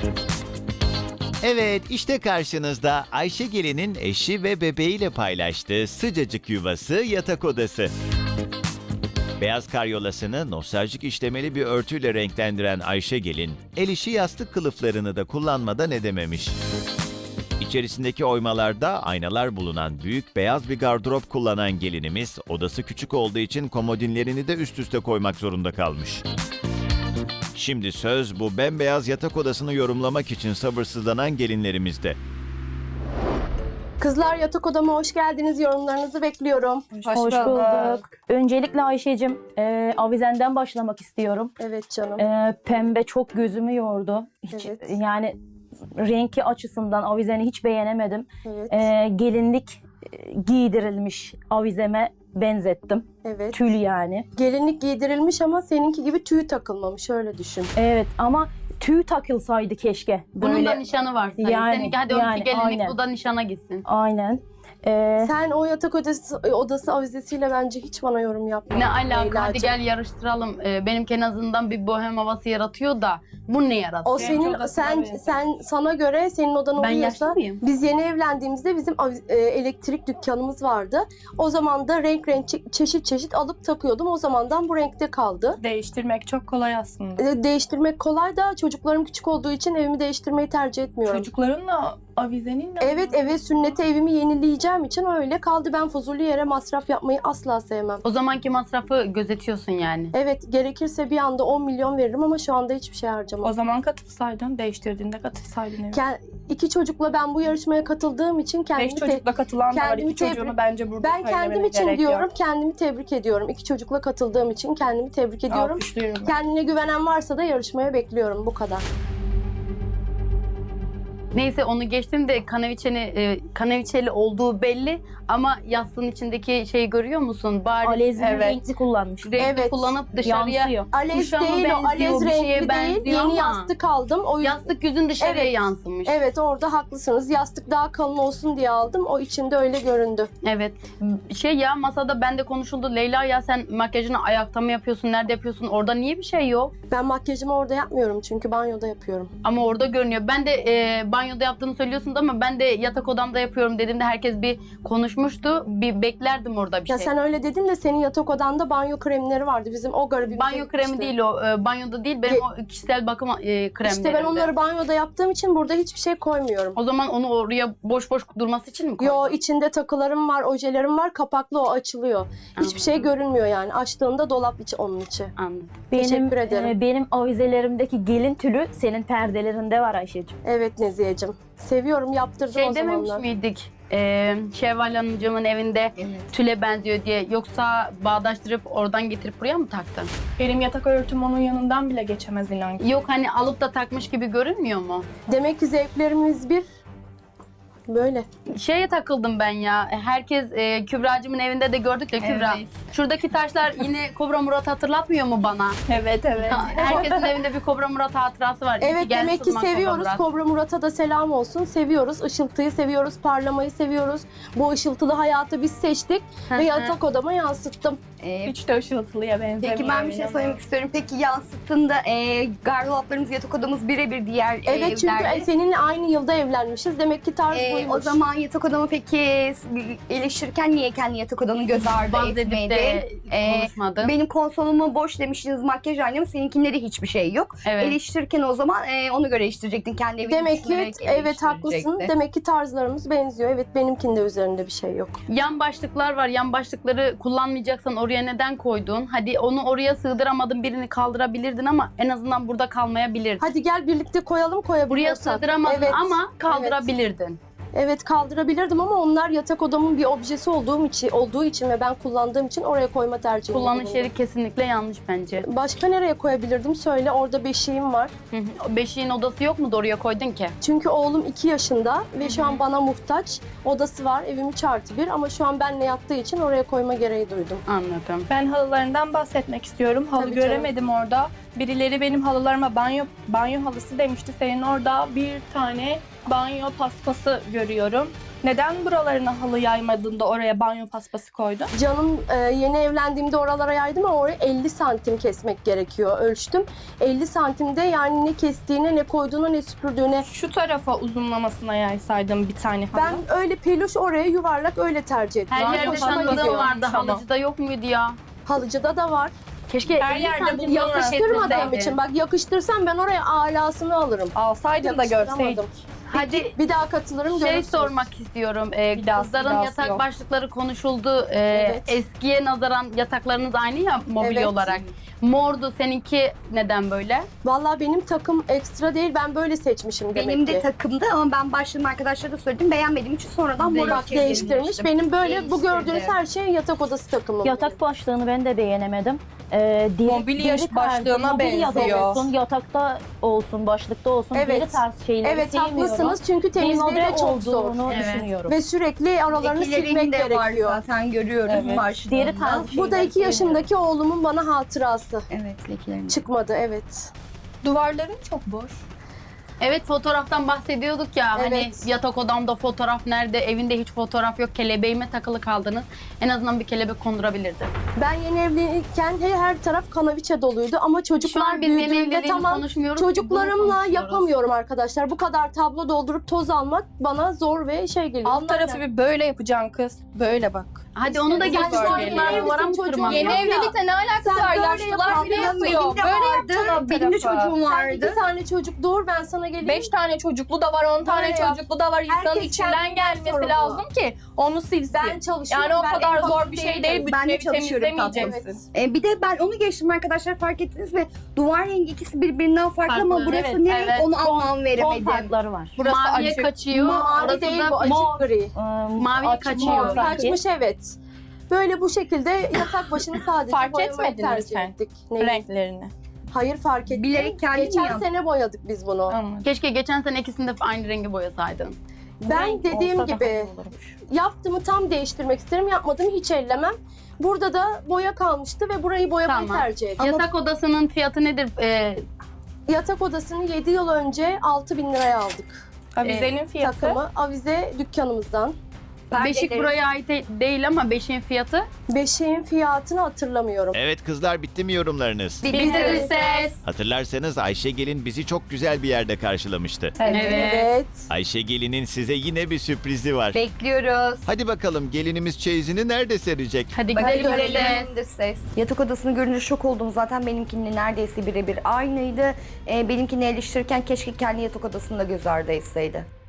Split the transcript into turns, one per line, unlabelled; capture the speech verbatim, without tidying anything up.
Evet, işte karşınızda Ayşe Gelin'in eşi ve bebeğiyle paylaştığı sıcacık yuvası yatak odası. Beyaz karyolasını nostaljik işlemeli bir örtüyle renklendiren Ayşe Gelin, el işi yastık kılıflarını da kullanmadan edememiş. İçerisindeki oymalarda aynalar bulunan büyük beyaz bir gardırop kullanan gelinimiz, odası küçük olduğu için komodinlerini de üst üste koymak zorunda kalmış. Şimdi söz bu bembeyaz yatak odasını yorumlamak için sabırsızlanan gelinlerimizde.
Kızlar yatak odama hoş geldiniz. Yorumlarınızı bekliyorum.
Hoş, bulduk. Öncelikle Ayşe'cim e, avizenden başlamak istiyorum.
Evet canım.
E, pembe çok gözümü yordu. Hiç,
Evet.
Yani renki açısından avizeni hiç beğenemedim.
Evet.
E, gelinlik e, giydirilmiş avizeme benzettim.
Evet.
Tül yani.
Gelinlik giydirilmiş ama seninki gibi tüy takılmamış. Öyle düşün.
Evet ama tüy takılsaydı keşke.
Bunun
Böyle.
da nişanı var. Sayın.
Yani,
Seninki hadi
yani,
onunki gelinlik,
aynen.
bu da nişana gitsin.
Aynen. E,
Sen o yatak odası, odası avizesiyle bence hiç bana yorum yapma.
Ne alaka? Hadi
Leyla'cığım.
gel yarıştıralım. Ee, benimki en azından bir bohem havası yaratıyor da bu ne yaratıyor?
O senin sen sen sana göre senin odan
Ben
uyuyorsa
yaşlı mıyım?
biz yeni evlendiğimizde bizim avi- e, elektrik dükkanımız vardı. O zaman da renk renk çe- çeşit çeşit alıp takıyordum. O zamandan bu renkte kaldı.
Değiştirmek çok kolay aslında.
E, Değiştirmek kolay da çocuklarım küçük olduğu için evimi değiştirmeyi tercih etmiyorum.
Çocuklarınla avizeninle
Evet, eve sünnete evimi yenileyeceğim için öyle kaldı. Ben fuzuli yere masraf yapmayı asla sevmem.
O zamanki masrafı gözetiyorsun yani.
Evet, gerekirse bir anda on milyon veririm ama şu anda hiçbir şey harcamam.
o zaman katılsaydın, değiştirdiğinde katılsaydın. Evet.
Ke- iki çocukla ben bu yarışmaya katıldığım için kendimi
Beş
te-
çocukla katılan da var.
kendimi
İki çocuğunu
tebrik-
bence burada
ben kendim
söylemene
için
gerek
diyorum,
yok.
kendimi tebrik ediyorum. İki çocukla katıldığım için kendimi tebrik ediyorum.
Alkışlıyorum.
Kendine güvenen varsa da yarışmaya bekliyorum. Bu kadar.
Neyse onu geçtim de kaneviçeni, e, kaneviçeli olduğu belli ama yastığın içindeki şeyi görüyor musun? Bari
alezli
Evet.
renkli kullanmış.
renkli
Evet.
kullanıp dışarıya
Yansıyor.
Alez
kuşama
değil o,
benziyor,
alez
bir şeye
renkli değil.
benziyor
Yeni
ama
yastık aldım. O yüzden
yastık yüzün dışarıya
Evet.
yansımış.
evet, orada haklısınız. Yastık daha kalın olsun diye aldım. O içinde öyle göründü.
Evet. Şey ya masada bende konuşuldu. Leyla ya sen makyajını ayakta mı yapıyorsun? Nerede yapıyorsun? Orada niye bir şey yok?
Ben makyajımı orada yapmıyorum çünkü banyoda yapıyorum.
Ama orada görünüyor. Ben de e, banyoda yaptığını söylüyorsun da ama ben de yatak odamda yapıyorum dediğimde herkes bir konuşmuştu. Bir beklerdim orada bir
Ya
şey.
sen öyle dedin de senin yatak odanda banyo kremleri vardı. Bizim o garibimize
Banyo kremi
gitmişti.
değil o. E, banyoda değil. Benim
Ge-
o kişisel bakım e, kremlerimde.
İşte ben onları banyoda yaptığım için burada hiçbir şey koymuyorum.
O zaman onu oraya boş boş durması için mi koydun?
Yo, içinde takılarım var, ojelerim var, kapaklı, o açılıyor. Hiçbir şey görünmüyor yani. Açtığında dolap içi onun içi.
Anladım.
Benim,
Teşekkür ederim.
e, benim avizelerimdeki gelin tülü senin perdelerinde var Ayşe'cim.
Evet Neziheciğim. Seviyorum, yaptırdım
Şey
o
dememiş
zamanlar.
miydik? E, Şevval Hanımcığımın evinde tüle benziyor diye. Yoksa bağdaştırıp oradan getirip buraya mı taktın?
Benim yatak örtüm onun yanından bile geçemez inan ki.
Yok hani alıp da takmış gibi görünmüyor mu?
Demek ki zevklerimiz bir. Böyle.
Şeye takıldım ben ya. Herkes e, Kübra'cığımın evinde de gördük ya Kübra.
Evet.
Şuradaki taşlar yine Kobra Murat hatırlatmıyor mu bana?
Evet evet.
Herkesin evinde bir Kobra Murat hatırası var. İyi
Evet,
gelmiş
demek
o
ki
zaman Kobra
seviyoruz.
Murat.
Kobra Murat'a da selam olsun. Seviyoruz. Işıltıyı seviyoruz. Parlamayı seviyoruz. Bu ışıltılı hayatı biz seçtik.
Hı
ve
hı.
yatak odama yansıttım.
Ee,
Hiç de ışıltılıya benzemiyor.
Peki ben bir şey
inanın.
söylemek istiyorum. Peki yansıttığında e, gardıroplarımız, yatak odamız birebir diğer
Evet, çünkü
evlerde.
seninle aynı yılda evlenmişiz. Demek ki tarz
Ee,
buymuş.
o zaman yatak odamı peki eleştirirken niye kendi yatak odanı göz ardı
Bahsedip
etmedi?
de
Ee,
konuşmadım.
Benim konsolumu boş demiştiniz, makyaj aynamı, seninkinde de hiçbir şey yok.
Evet.
Eleştirirken o zaman e, ona göre eleştirecektin. Kendi evini
Demek ki
düşünerek
evet haklısın.
eleştirecekti.
Demek ki tarzlarımız benziyor. Evet, benimkinde üzerinde bir şey yok.
Yan başlıklar var. Yan başlıkları kullanmayacaksan oraya neden koydun? Hadi onu oraya sığdıramadın, birini kaldırabilirdin ama en azından burada kalmayabilirdin.
Hadi gel birlikte koyalım,
Buraya
koyabiliyorsak.
sığdıramadın
Evet,
ama kaldırabilirdin.
Evet, kaldırabilirdim ama onlar yatak odamın bir objesi olduğum için, olduğu için ve ben kullandığım için oraya koyma tercihinde
Kullanış
bulundum.
yeri kesinlikle yanlış bence.
Başka nereye koyabilirdim? Söyle, orada beşiğim var.
Hı hı. Beşiğin odası yok mu da oraya koydun ki?
Çünkü oğlum iki yaşında ve şu an bana muhtaç. Odası var, evim üç artı bir ama şu an benle yattığı için oraya koyma gereği duydum.
Anladım.
Ben halılarından bahsetmek istiyorum. Halı
Tabii canım.
göremedim orada. Birileri benim halılarıma banyo banyo halısı demişti. Senin orada bir tane banyo paspası görüyorum. Neden buralarına halı yaymadın da oraya banyo paspası koydun?
Canım e, yeni evlendiğimde oralara yaydım ama oraya elli santim kesmek gerekiyor. Ölçtüm. elli santimde yani ne kestiğine, ne koyduğuna, ne süpürdüğüne.
Şu tarafa uzunlamasına yaysaydım bir tane halı.
Ben öyle peluş oraya yuvarlak öyle tercih ettim.
Her
Yani
yerde
hoşuma
tanıdığım
gidiyor.
vardı.
Tamam.
Halıcıda yok muydu ya?
Halıcıda da var.
Keşke
Her
elli
yerde
santim
bulunan
Yakıştırmadığım
yakıştırmadığım
için. Bak yakıştırsam ben oraya alasını alırım.
Alsaydın da
Yakıştıramadım.
görseydik.
Hadi
Bir daha katılırım
şey
görürsünüz.
sormak istiyorum. Ee,
Bir daha-
kızların
bir daha
yatak
yok.
başlıkları konuşuldu. Ee,
Evet.
Eskiye nazaran yataklarınız aynı ya mobilya
Evet.
olarak. Mordu, seninki neden böyle?
Vallahi benim takım ekstra değil. Ben böyle seçmişim demek
Benim
ki.
de takımdı ama ben başladığım arkadaşlara da söyledim. Beğenmediğim için sonradan
Değil.
mora
Bak değiştirmiş. Benim böyle bu
Değiştirdi.
gördüğünüz her şey yatak odası takımı.
Yatak başlığını ben de beğenemedim. Ee, deri-
Mobilya
deri tarzı,
başlığına
mobilya da
benziyor.
olsun, yatakta olsun, başlıkta olsun.
Evet.
Deri tarz şeyleri
Evet
sevmiyorum.
haklısınız çünkü
Bir
temizliği
model
de çok zor.
olduğunu
Evet.
düşünüyorum.
Ve sürekli aralarını
Lekelerinin
silmek
de var
gerekiyor.
zaten görüyoruz
Evet.
başlığında.
Deri tarzı
Bu da
şeyleri
iki yaşındaki oğlumun bana hatırası.
Evet lekelerini.
Çıkmadı evet.
Duvarların çok boş.
Evet, fotoğraftan bahsediyorduk ya.
Evet.
Hani yatak odamda fotoğraf nerede? Evinde hiç fotoğraf yok. Kelebeğime takılı kaldınız. En azından bir kelebek kondurabilirdi.
Ben yeni evliyken he- her taraf kanaviçe doluydu ama
Şu
çocuklar
an biz yeni
büyüdüğünde
evliliğini
tamam
konuşmuyoruz. ki, bunu
çocuklarımla
konuşuyoruz.
yapamıyorum arkadaşlar. Bu kadar tablo doldurup toz almak bana zor ve şey geliyor.
Alt
Bunlar
tarafı
ne?
bir böyle yapacaksın kız. Böyle bak.
Hadi onu da
Sen
geçti.
şu an
Çocuklar
yeni
duvara mı
evlisin, çocuğun
tırmanıyor?
Yeni
Yok ya.
evlilikle ne alakası
Sen
var?
böyle
Yaşlılar bile
yapamazsın.
yapıyor.
Benim de
Böyle
vardı.
yapacaksın alt
Benim de
tarafı.
çocuğum
Sen
vardı.
iki tane çocuk doğur ben sana geleyim.
Beş tane çocuklu da var, on tane
Böyle yap.
çocuklu da var. İnsanın
Herkes
içinden
kendine
gelmesi
sorumlu.
lazım ki onu silsin.
Ben çalışıyorum.
Yani o
ben
kadar
en
zor
basit
bir şey
değilim.
değil. Bütün
Ben de
evi
çalışıyorum
temizlemeyeceksin.
Evet.
Ee, bir de ben onu geçtim arkadaşlar, fark ettiniz mi? Duvar rengi ikisi birbirinden farklı,
Farklı,
ama burası
evet,
ne renk
evet.
onu
Ton-
anlam
Ton
veremedim.
farkları var.
Burası
Maviye
açık.
kaçıyor.
Mavi
Orası
değil
da
bu açık
mor.
gri.
Ee,
Maviye
açık
kaçıyor.
mor sanki.
Kaçmış evet. Böyle bu şekilde yatak başını sadece
Fark
boyamayı
etmedin mi
tercih
sen?
ettik. Neyi?
Renklerini.
Hayır fark ettim.
Bilerek kendin
Geçen
yap.
sene boyadık biz bunu.
Anladım.
Keşke geçen sene ikisini de aynı rengi boyasaydın.
Ben
Renk
dediğim
olsa daha
gibi
iyi olurmuş.
yaptığımı tam değiştirmek isterim. Yapmadığımı hiç ellemem. Burada da boya kalmıştı ve burayı boyamayı
Tamam.
tercih ettim.
Yatak odasının fiyatı nedir? Ee,
Yatak odasını yedi yıl önce altı bin liraya aldık.
Avizenin fiyatı.
Takımı avize dükkanımızdan.
beşik
Perdeleri-
buraya ait de- değil ama beşiğin fiyatı.
Beşiğin fiyatını hatırlamıyorum.
Evet kızlar, bitti mi yorumlarınız?
Bildiririz ses.
Hatırlarsanız Ayşegelin bizi çok güzel bir yerde karşılamıştı.
Evet.
Evet.
Ayşegelin'in size yine bir sürprizi var.
Bekliyoruz.
Hadi bakalım, gelinimiz çeyizini nerede serecek?
Hadi
Hadi
gidelim ses.
görelim de ses. Yatak odasını görünce şok oldum. Zaten benimkinle neredeyse birebir aynıydı. Ee, benimkini eleştirirken keşke kendi yatak odasını da göz ardı etseydi.